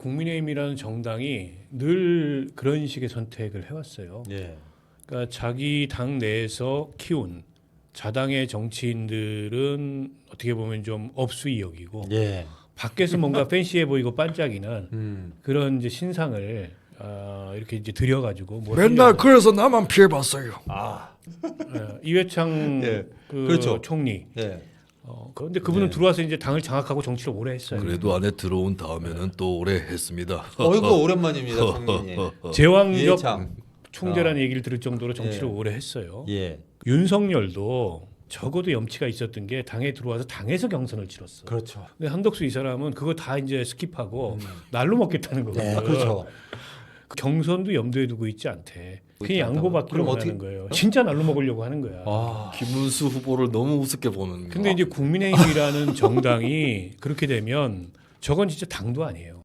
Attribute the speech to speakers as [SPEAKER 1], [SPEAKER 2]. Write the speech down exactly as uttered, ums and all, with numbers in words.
[SPEAKER 1] 국민의힘이라는 정당이 늘 그런 식의 선택을 해왔어요.
[SPEAKER 2] 예.
[SPEAKER 1] 그러니까 자기 당 내에서 키운 자당의 정치인들은 어떻게 보면 좀 업수이역이고
[SPEAKER 2] 예.
[SPEAKER 1] 밖에서 뭔가 팬시해 보이고 반짝이는
[SPEAKER 2] 음.
[SPEAKER 1] 그런 이제 신상을 어, 이렇게 이제 들여가지고 뭐
[SPEAKER 3] 맨날
[SPEAKER 1] 하려고.
[SPEAKER 3] 그래서 나만 피해봤어요.
[SPEAKER 2] 아.
[SPEAKER 1] 예, 이회창
[SPEAKER 2] 예.
[SPEAKER 1] 그
[SPEAKER 2] 그렇죠.
[SPEAKER 1] 총리.
[SPEAKER 2] 예.
[SPEAKER 1] 어, 그런데 그분은
[SPEAKER 2] 네.
[SPEAKER 1] 들어와서 이제 당을 장악하고 정치를 오래 했어요.
[SPEAKER 4] 그래도 안에 들어온 다음에는 또 오래 했습니다.
[SPEAKER 2] 어이구 오랜만입니다, 총리님.
[SPEAKER 1] 제왕적
[SPEAKER 2] 이해창.
[SPEAKER 1] 총재라는
[SPEAKER 2] 아.
[SPEAKER 1] 얘기를 들을 정도로 정치를
[SPEAKER 2] 예.
[SPEAKER 1] 오래 했어요.
[SPEAKER 2] 예.
[SPEAKER 1] 윤석열도 적어도 염치가 있었던 게 당에 들어와서 당에서 경선을 치렀어.
[SPEAKER 2] 그렇죠.
[SPEAKER 1] 근데 한덕수 이 사람은 그거 다 이제 스킵하고 날로 먹겠다는 거거든.
[SPEAKER 2] 네, 그렇죠.
[SPEAKER 1] 그 경선도 염두에 두고 있지 않대. 그냥
[SPEAKER 2] 있지 않다고?
[SPEAKER 1] 양보받기로
[SPEAKER 2] 그럼
[SPEAKER 1] 하는
[SPEAKER 2] 어떻게-
[SPEAKER 1] 거예요. 진짜 날로 먹으려고 하는 거야.
[SPEAKER 2] 아.
[SPEAKER 4] 김문수 후보를 너무 우습게 보는.
[SPEAKER 1] 근데 이제 국민의힘이라는 정당이 그렇게 되면 저건 진짜 당도 아니에요.